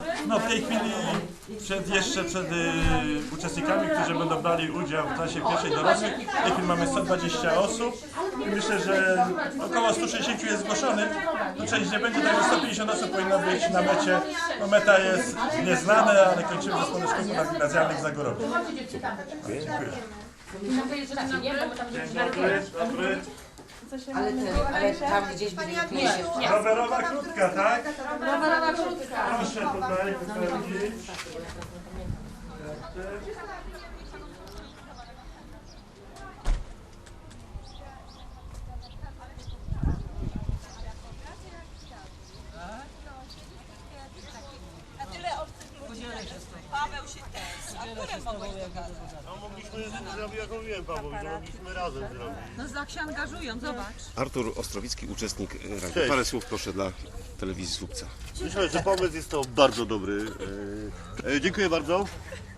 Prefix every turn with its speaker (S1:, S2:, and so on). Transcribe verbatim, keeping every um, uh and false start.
S1: No w tej chwili przed, jeszcze przed y, uczestnikami, którzy będą brali udział w klasie pierwszej dorosłych, w tej chwili mamy sto dwadzieścia osób i myślę, że około stu sześćdziesięciu jest zgłoszonych. Tu część nie będzie, także sto pięćdziesiąt osób powinno być na mecie. No meta jest nieznana, ale kończymy w zespole szkół gimnazjalnych w Zagorowie. Dziękuję. Dobry.
S2: Ale, ten, ale tam gdzieś będzie mieście.
S1: Rowerowa krótka, tak?
S3: Rowerowa krótka.
S1: Proszę tutaj wypełnić.
S4: Paweł się też. A które mogłeś pokazać?
S5: No mogliśmy zrobić, jak mówiłem Pawłowi, to mogliśmy razem zrobić.
S4: No tak się angażują, zobacz.
S6: Artur Ostrowicki, uczestnik rady.
S5: Cześć.
S6: Parę słów proszę dla telewizji Słupca.
S5: Myślę, że pomysł jest to bardzo dobry. E, e, dziękuję bardzo.